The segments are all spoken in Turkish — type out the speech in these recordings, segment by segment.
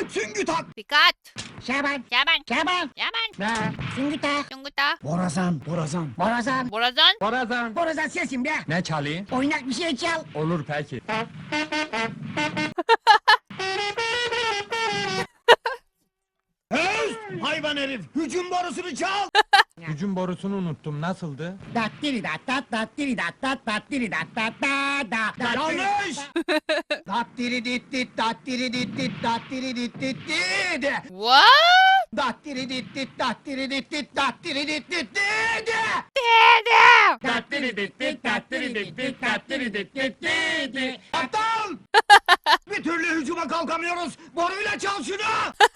Süngü tak. Dikkat. Şaban. Şaban. Şaban. Şaban. Ne? Süngü tak. Yunguta. Borazan. Borazan. Borazan. Borazan. Borazan. Borazan sesim be. Ne çalayım? Oynak bir şey çal. Olur peki. Öz! Hayvan herif. Hücum borusunu çal. Hücum borusunu unuttum. Nasıldı? Dattiri dat dat dattiri dat dat dattiri dat dat da da. Yanlış. Dattiri dit dit dattiri dit dit dattiri dit dit dit. What? Dattiri dit dit dattiri dit dit dattiri dit dit dit. Dede. Dattiri dit dit dattiri dit dit dattiri dit dit dit. Aptal! Bir türlü hücuma kalkamıyoruz. Boruyla çal şunu.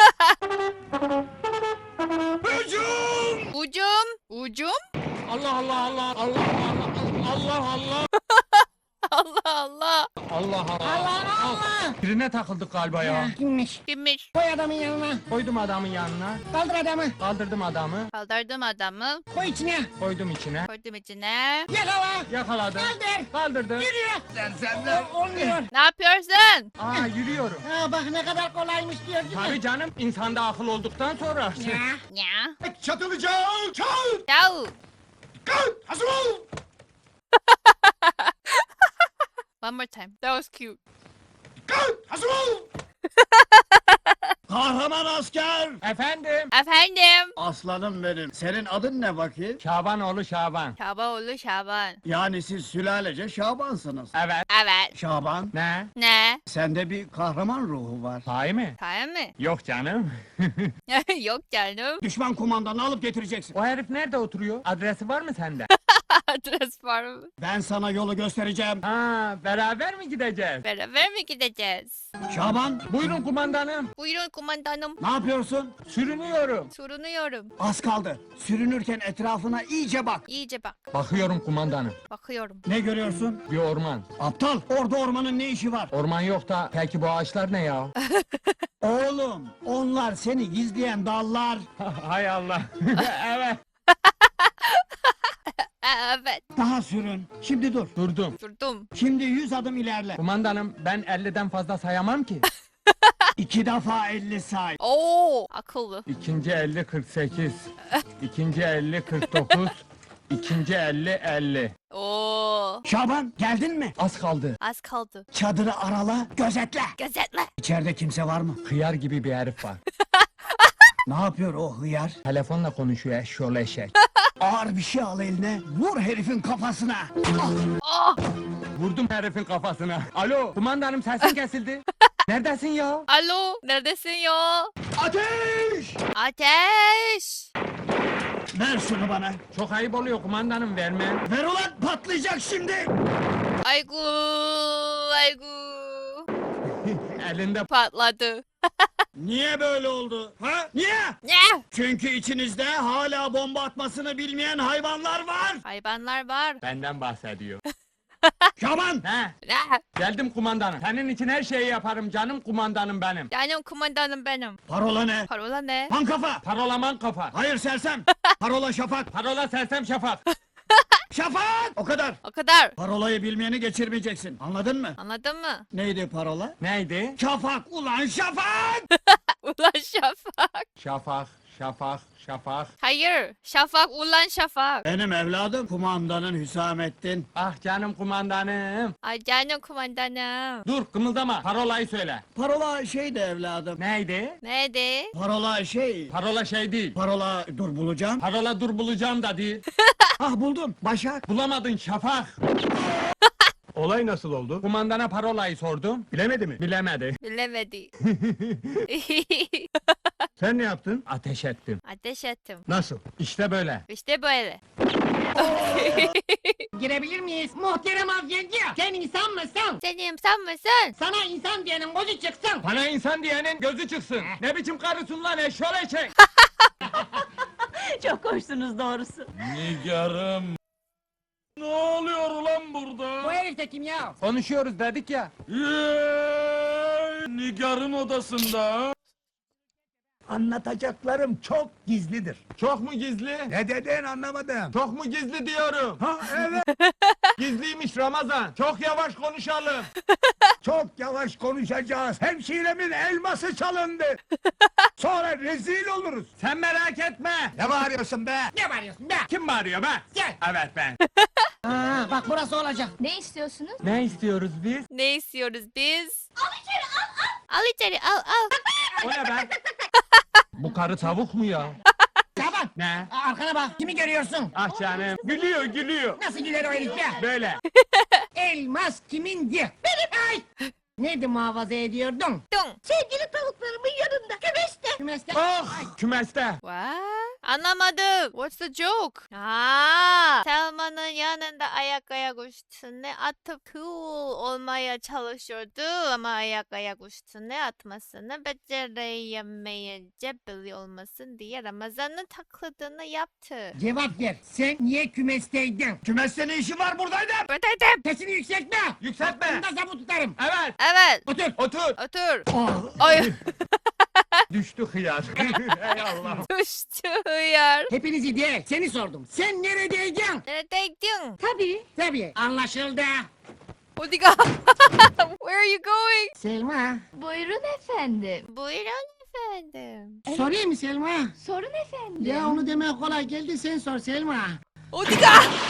Hücum! Ucum. Ucum. Allah Allah Allah Allah Allah Allah Allah Allah Allah. Allah Allah Allah Allah. Birine takıldık galiba ya. Kimmiş? Kimmiş? Koy adamın yanına. Koydum adamın yanına. Kaldır adamı. Kaldırdım adamı. Kaldırdım adamı. Koy içine. Koydum içine. Koydum içine. Yakala. Yakaladım. Kaldır. Kaldırdım. Yürü. Sersemler. Olmuyor. Ne yapıyorsun? Aa yürüyorum. Ha bak ne kadar kolaymış diyor değil Tabii mi? canım insanda akıl olduktan sonra. Ya. Ya. Çatılacağım. Çal. Ciao. Kalk. Hazır ol. One more time. That was cute. Kalk. Hazır ol. Kahraman asker. Efendim? Efendim. Aslanım benim. Senin adın ne bakayım? Şabanoğlu Şaban. Şabanoğlu Şaban. Yani siz sülalece Şabansınız. Evet. Evet. Şaban, Ne? Ne? sende bir kahraman ruhu var. Sahi mi? Tamam mı? Yok canım. Yok canım. Düşman kumandanı alıp getireceksin. O herif nerede oturuyor? Adresi var mı sende? Adres var mı? Ben sana yolu göstereceğim. Ha, beraber mi gideceğiz? Beraber mi gideceğiz? Şaban, Buyurun kumandanım. Buyurun kumandanım. ne yapıyorsun? Sürünüyorum. Sorunuyorum. Az kaldı. Sürünürken etrafına iyice bak. İyice bak. Bakıyorum kumandanım. Bakıyorum. Ne görüyorsun? Bir orman. Aptal, orada ormanın ne işi var? Orman yok da peki bu ağaçlar ne ya? Oğlum, onlar seni gizleyen dallar. Hay Allah. Evet. Evet. Daha sürün. Şimdi dur. Durdum. Durdum. Şimdi 100 adım ilerle. Kumandanım ben 50'den fazla sayamam ki. 2 defa 50 say. Oo, akıllı. İkinci 50 48. İkinci 50 49. İkinci 50 50. Oo. Şaban, geldin mi? Az kaldı. Az kaldı. Çadırı arala, gözetle. Gözetle. İçeride kimse var mı? Hıyar gibi bir herif var. Ne yapıyor o hıyar? Telefonla konuşuyor eşşoğlu eşek. Ağır bir şey al eline, vur herifin kafasına. Oh. Vurdum herifin kafasına. Alo kumandanım sesin kesildi. Neredesin ya? Alo. Neredesin ya? Ateş! Ateş. Ver şunu bana. Çok ayıp oluyor kumandanım vermem. Ver ulan, patlayacak şimdi. Aygu. Aygu. Elinde Patladı. Niye böyle oldu? Ha? Niye? Ne? Çünkü içinizde hala bomba atmasını bilmeyen hayvanlar var. Hayvanlar var. benden bahsediyor. Şaban! He Ne? geldim kumandanım. Senin için her şeyi yaparım canım kumandanım benim. Canım kumandanım benim. Parola ne? Parola ne? Pankafa! Parolaman kafa. Hayır sersem! Parola şafak! Parola sersem şafak. Şafak! O kadar! O kadar. Parolayı bilmeyeni geçirmeyeceksin. Anladın mı? Anladın mı? Neydi parola? Neydi? Şafak! Ulan şafak! Ulan şafak. Şafak, şafak, şafak. Hayır. Şafak ulan şafak. Benim evladım kumandanın Hüsamettin. Ah canım kumandanım. Ay canım kumandanım. Dur kımıldama parolayı söyle. Parola şeydi evladım. Neydi? Neydi? Parola şey... Parola şey değil. Parola dur bulacağım. Parola dur bulacağım da değil. Ah buldum. Başak. Bulamadın şafak. Olay nasıl oldu? Kumandana parolayı sordum. Bilemedi mi? Bilemedi. Bilemedi. Sen ne yaptın? Ateş ettim. Ateş ettim. Nasıl? İşte böyle. İşte böyle. Girebilir miyiz? Muhterem avcıncı. Sen insan mısın? Sen insan mısın? Sana insan diyenin gözü çıksın. Bana insan diyenin gözü çıksın. Ne biçim karısın lan eşşoğlu eşek. Çok hoşsunuz doğrusu. Nigarım. Ne oluyor ulan burada? Bu herif de kim ya? Konuşuyoruz dedik ya. Nigar'ın odasında. Anlatacaklarım çok gizlidir. Çok mu gizli? Ne dedin anlamadım. Çok mu gizli diyorum. Ha evet. Gizliymiş Ramazan. Çok yavaş konuşalım. Çok yavaş konuşacağız. Hemşiremin elması çalındı. Sonra rezil oluruz. Sen merak etme. Ne bağırıyorsun be? Ne bağırıyorsun be? Kim bağırıyor be? Gel. Evet ben. Aa, bak burası olacak. Ne istiyorsunuz? Ne istiyoruz biz? Ne istiyoruz biz? Al içeri al. Al içeri al al. O ne be? Bu karı tavuk mu ya? Şaban. Ne? Arkana bak. Kimi görüyorsun? Ah canım. Gülüyor gülüyor. Nasıl güler o herif be? Böyle. Elmas kimindi? Benim. Ay. Neydi muhafaza ediyordun? Dung. Sevgili tavuklarımın yanında. Kümeste. Kümeste. Oh! Kümeste. What? Anlamadım. What's the joke? Aa, Selma'nın yanında ayak üstüne atıp cool olmaya çalışıyordu ama ayak üstüne atmasını beceremeyince belli olmasın diye Ramazan'ın taklidini yaptı. Cevap ver. Sen niye kümesteydin? Kümeste ne işin var buradaydım? Buradaydım. Sesini yükseltme. Yükseltme. Bunda zabı tutarım. Evet. Evet. Otur. Otur. Otur. Oh. Ay. Düştü hıyar. Ey Allah. Düştü hıyar. Hepinizi değil. Seni sordum. Sen neredeydin? Neredeydin? Tabii. Tabii. Anlaşıldı. Odiga. Where are you going? Selma. Buyurun efendim. Buyurun efendim. Sorayım mı Selma? Sorun efendim. Ya onu demeye kolay geldi sen sor Selma. Odiga.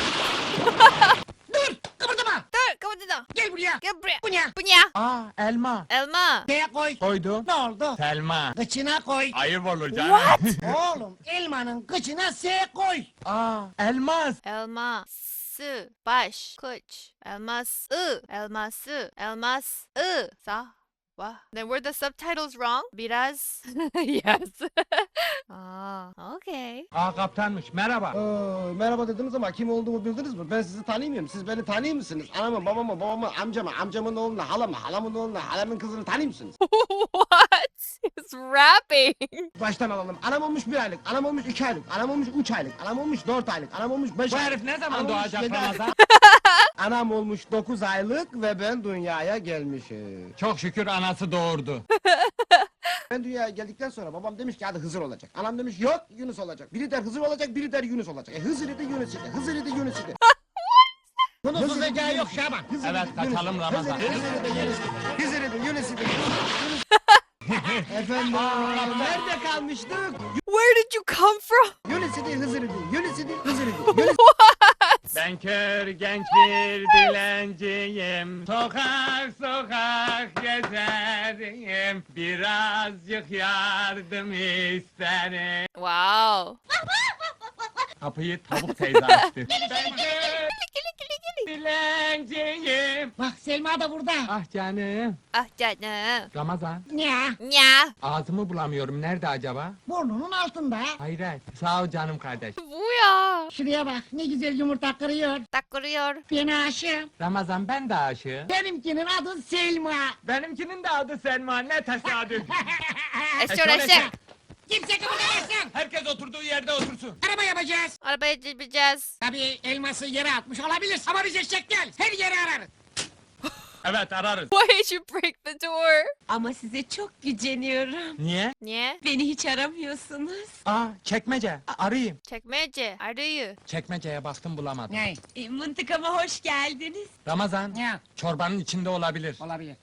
Dur kıpırdama. Dur kapatın. Gel buraya. Gel buraya. Bu ne? Bu ne? Aa elma. Elma. Şeye koy. Koydum. Ne oldu? Selma. Kıçına koy. Ayıp olur canım. Oğlum elmanın kıçına S koy. Aa elmas. Elma. Sı. Baş. Kıç. Elmas. Elması. Elmas. Sa. What? Then were the subtitles wrong? Biraz. Yes. Okay. Aa kaptanmış. Merhaba. Merhaba dediniz ama kim olduğumu bildiniz mi? Ben sizi tanımıyorum. Siz beni tanıyor musunuz? Anamı, babamı, babamı, amcamı, amcamın oğlunu, halamı, halamın oğlunu, halamın kızını tanıyor musunuz? What? It's rapping. Baştan alalım. Anam olmuş 1 aylık, anam olmuş 2 aylık, anam olmuş 3 aylık, anam olmuş 4 aylık, anam olmuş 5 Bu aylık. herif ne zaman Anam olmuş doğacak 7 aylık. Ramazan? Anam olmuş 9 aylık ve ben dünyaya gelmişim. Çok şükür anası doğurdu. Ben dünyaya geldikten sonra babam demiş ki hadi Hızır olacak. Anam demiş yok Yunus olacak. Biri der Hızır olacak, biri der Yunus olacak. Hızır idi Yunus idi, Hızır idi Yunus idi. Bunun susacağı yok Şaban. Hızır Evet, idi, Yunus kaçalım idi. Ramazan. Hızır idi, Yunus idi. Hızır idi, Yunus idi. Efendim, nerede kalmıştık? Where did you come from? Yunus idi, Hızır idi, Yunus idi, Hızır idi. Yunus Ben kör genç bir dilenciyim. Sokak sokak gezerim. Birazcık yardım isterim. Wow. Kapıyı tavuk teyze açtı. Ben kör dilenciyim. Bak Selma da burada. Ah canım. Ah canım. Ramazan. Ne? Ya. Ağzımı bulamıyorum. Nerede acaba? Burnunun altında. Hayret. Sağ ol canım kardeş. Bu ya. Şuraya bak ne güzel yumurta kırıyor. Takılıyor. Ben aşığım. Ramazan ben de aşığım. Benimkinin adı Selma. Benimkinin de adı Selma. Ne tesadüf. Eşyor eşek. Kimse kımıldamasın. Herkes oturduğu yerde otursun. Araba yapacağız. Arabaya gideceğiz. Tabii elması yere atmış olabilir ama biz eşek değil. Her yeri ararız. Evet ararız. Why did you break the door? Ama size çok güceniyorum. Niye? Niye? Beni hiç aramıyorsunuz. Aa çekmece. Arayayım. Çekmece. Arıyı. Çekmeceye baktım bulamadım. Ne? Mıntıkama hoş geldiniz. Ramazan. Ne? Çorbanın içinde olabilir. Olabilir.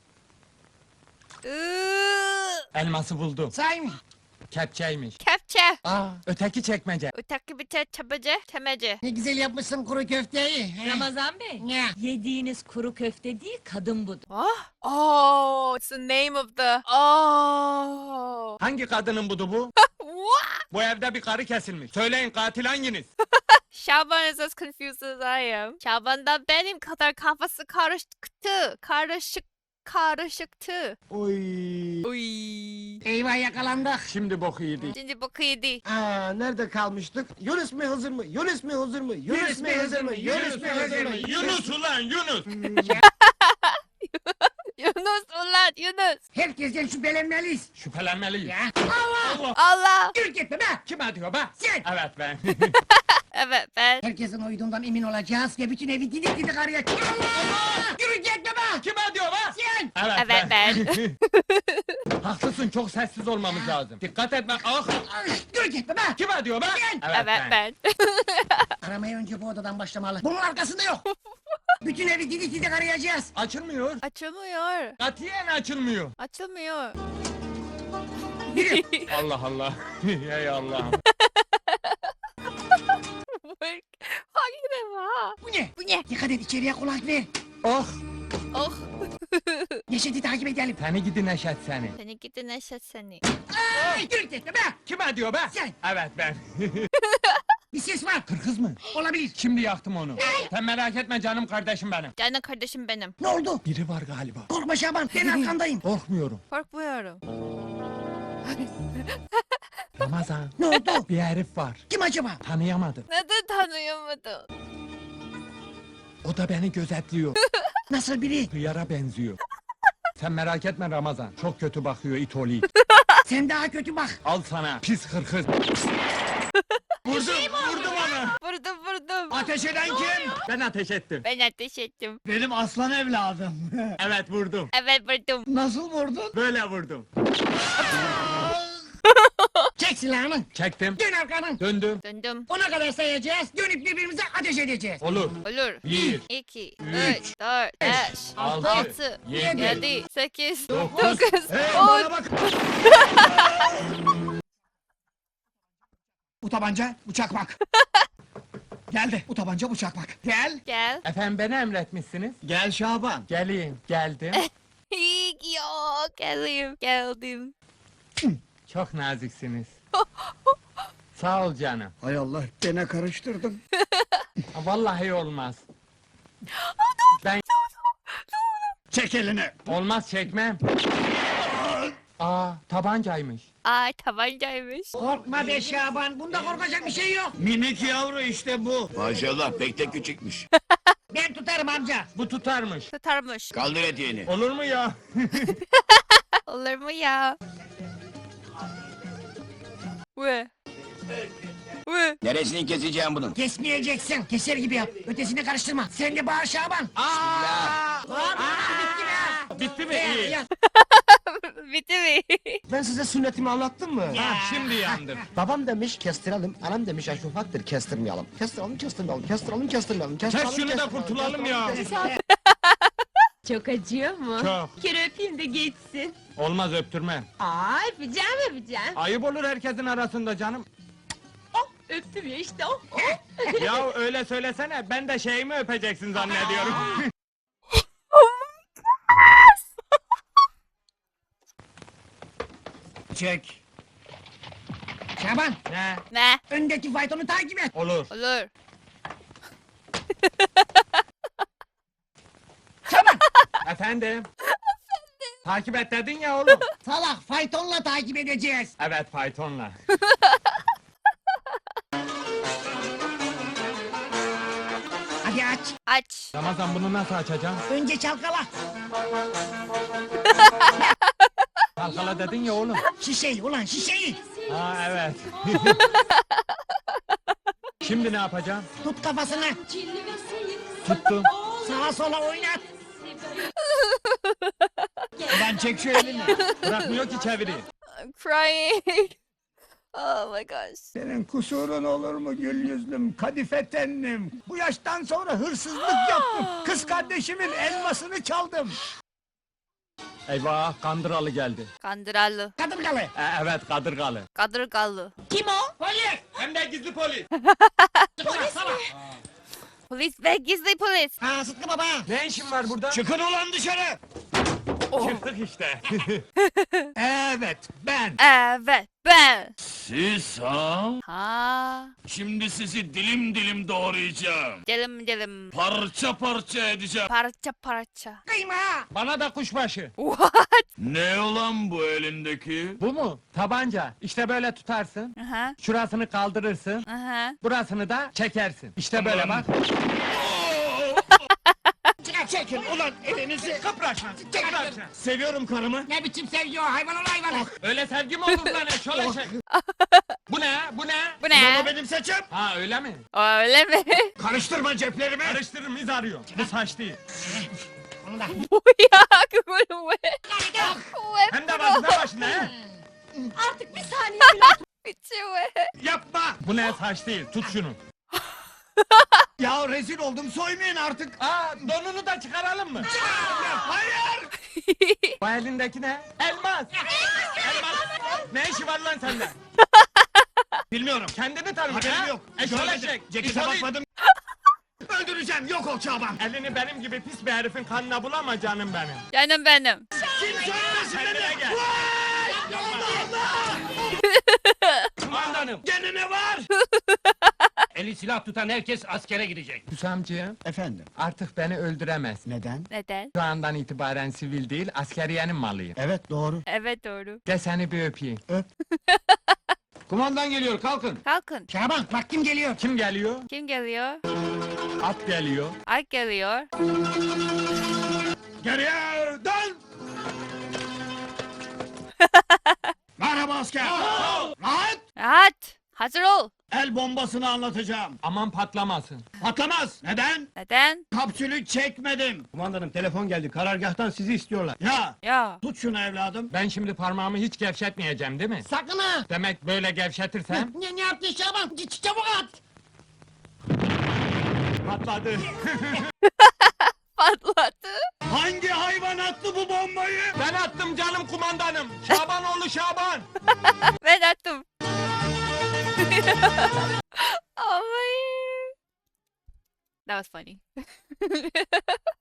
Elması buldum. Say mı? Kepçeymiş. Kepçe. Aa öteki çekmece. Öteki bir çabacı. Temece. Ne güzel yapmışsın kuru köfteyi. he? Ramazan Bey. Ne? Yediğiniz kuru köfte değil, kadın budur. Oh. Oh. It's the name of the. Oh. Hangi kadının budu bu? What? Bu evde bir karı kesilmiş. Söyleyin katil hanginiz? Şaban is as confused as I am. Şaban da benim kadar kafası karışıktı. Karışıktı. Oy. Uy. Eyvah yakalandık. Şimdi boku yedik. Şimdi boku yedi. Aa, nerede kalmıştık? Yunus mu Hızır mı? Yunus mu Hızır mı? Yunus mu Hızır mı? Yunus mu Hızır mı? Yunus ulan Yunus. Yunus ulan Yunus. Herkesten şüphelenmeliyiz. Şüphelenmeliyiz. Ya. Allah! Allah. Yürü gitme be! Kim diyor be? Sen! Evet ben. Evet ben. Herkesin uyduğundan emin olacağız ve bütün evi didik didik arayacağız. Allah! Yürü gitme be! Kim diyor be? Sen! Evet ben. Haklısın, çok sessiz olmamız lazım. Dikkat etme. Ah! Dur gitme be! Kime diyor be? Evet ben. Aramaya önce bu odadan başlamalı. Bunun arkasında yok. Bütün evi didik didik arayacağız. Açılmıyor. Açılmıyor. Katiyen açılmıyor. Açılmıyor. Allah Allah. Ey Allah'ım. Hangi defa? Bu ne? Bu ne? Dikkat et içeriye kulak ver. Oh! Oh. Neşet'i takip edelim. Seni gidi Neşet seni. Seni gidi Neşet seni. Ay, dur gitme be! Kime diyor be? Sen. Evet ben. Bir ses var. Kırkız mı? Olabilir. Şimdi yaktım onu. Sen merak etme canım kardeşim benim. Canım kardeşim benim. Ne oldu? Biri var galiba. Korkma Şaban, ben arkandayım. Korkmuyorum. Korkmuyorum. Ramazan. Ne oldu? Bir herif var. Kim acaba? Tanıyamadım. Neden tanıyamadın? O da beni gözetliyor. Nasıl biri? Hıyara benziyor. Sen merak etme Ramazan. Çok kötü bakıyor it oğlu it. Sen daha kötü bak. Al sana pis hırkız. Vurdum onu. Vurdum. Ateş eden kim? Ben ateş ettim. Ben ateş ettim. Benim aslan evladım. Evet vurdum. Evet vurdum. Nasıl vurdun? Böyle vurdum. Çek silahını. Çektim. Dön arkanı. Döndüm. Döndüm. Ona kadar sayacağız. Dönüp birbirimize ateş edeceğiz. Olur. Olur. 1, 2, 3, 3, 4, 5, 6, 6, 7, 7, 8, 9. 9, Hey 10. bana bak. Bu tabanca bıçak bak. Geldi. Bu tabanca bıçak bak. Gel. Gel. Efendim beni emretmişsiniz. Gel Şaban. Geleyim. Geldim. Yok. Geldim. Çok naziksiniz. Sağ ol canım. Hay Allah gene karıştırdım. Vallahi olmaz. Ben Çek elini. olmaz çekmem. Aa tabancaymış. Ay tabancaymış. Korkma be Şaban. Bunda korkacak bir şey yok. Minik yavru işte bu. Maşallah pek de küçükmüş. Ben tutarım amca. Bu tutarmış. Tutarmış. Kaldır eteğini. Olur mu ya? Olur mu ya? Ve. Neresini keseceğim bunun? Kesmeyeceksin. Keser gibi yap. Ötesini karıştırma. Sen de bağır Şaban. Bağır. Bitti be. Bitti mi? Ya, İyi. ya. Bitti mi? Ben size sünnetimi anlattım mı? Ha, şimdi yandım. Babam demiş kestirelim, anam demiş aşufaktır kestirmeyelim. Kestirmeyelim, kestirmeyelim. Kes şunu da kurtulalım ya. Çok acıyor mu? Çok. Bir kere öpeyim de geçsin. Olmaz öptürmem. Aa öpeceğim. Ayıp olur herkesin arasında canım. Oh öptüm ya işte oh. Ya öyle söylesene ben de şeyimi öpeceksin zannediyorum. Çek. Şaban. Ne? Ne? Öndeki faytonu takip et. Olur. Olur. Efendim? Takip et dedin ya oğlum. Salak faytonla takip edeceğiz. Evet faytonla. Hadi aç. Aç. Ramazan bunu nasıl açacağım? Önce çalkala. Kalkala dedin ya oğlum. Şişeyi ulan şişeyi. Ha evet. Şimdi ne yapacağım? Tut kafasını. Tuttum. Sağa sola oynat. Ulan çek şu elini. Bırakmıyor ki çevireyim. I'm crying. Oh my gosh. Senin kusurun olur mu gül yüzlüm, kadife tenlim? Bu yaştan sonra hırsızlık yaptım. Kız kardeşimin elmasını çaldım. Eyvah kandıralı geldi. Kandıralı. Kadırgalı. Evet kadırgalı. Kadırgalı. Kim o? Polis. Hem de gizli polis. Polis ve gizli polis. Ha Sıtkı baba. Ne işin var burada? Çıkın ulan dışarı. Çıktık işte. Evet, ben. Evet ben. Siz ha? Ha. Şimdi sizi dilim dilim doğrayacağım. Dilim. Parça parça edeceğim. Parça. Kıyma. Bana da kuşbaşı. What? Ne olan bu elindeki? Bu mu? Tabanca. İşte böyle tutarsın. Aha. Şurasını kaldırırsın. Aha. Burasını da çekersin. İşte böyle bak. Çekin ulan elinizi. Kıpraşma. Seviyorum karımı. Ne biçim sevgi o hayvan ol hayvan. Öyle sevgi mi olur lan şöyle şey. Bu ne? Bu ne? Bu ne? Bu benim saçım. Ha öyle mi? Öyle mi? Karıştırma ceplerimi. Karıştırırım iz arıyor. Bu saç değil. Onu da. 뭐야 그거는 왜? 왜 Hem de başına başına he? Artık bir saniye 그치 왜? Yapma! Bu ne saç değil, tut şunu. Ya rezil oldum, soymayın artık! Aa, donunu da çıkaralım mı? Hayır! Bu elindeki ne? Elmas! Elmas! Ne işi var lan sende? Bilmiyorum, Kendini tanı. haberim yok. Eşol Görmedim, eşek. cekete İşol bakmadım. Öldüreceğim, yok ol Şaban! Elini benim gibi pis bir herifin kanına bulama canım benim. Canım benim. Kim söylemesin Kendine beni? gel. Vay! Allah! Kumandanım. Gene ne var? Eli silah tutan herkes askere gidecek. Hüsamcığım, Efendim, artık beni öldüremez. neden? Neden? Şu andan itibaren sivil değil, askeriyenin malıyım. Evet, doğru. Evet doğru. Gel seni bir öpeyim. Kumandan geliyor, kalkın! Kalkın. Şaban bak kim geliyor. Kim geliyor? Kim geliyor? At geliyor. Alp geliyor. Geriye dön! Merhaba asker! Rahat! Rahat. Hazır ol. El bombasını anlatacağım. Aman patlamasın. Patlamaz. Neden? Neden? Kapsülü çekmedim. Kumandanım telefon geldi. Karargahtan sizi istiyorlar. Ya, Ya. tut şunu evladım. Ben şimdi parmağımı hiç gevşetmeyeceğim değil mi? Sakın ha. Demek böyle gevşetirsem Ne yaptın Şaban? Git çabuk at. patladı. Patladı. Hangi hayvan attı bu bombayı? Ben attım canım kumandanım. Şabanoğlu Şaban. Ben attım. Oh my. That was funny.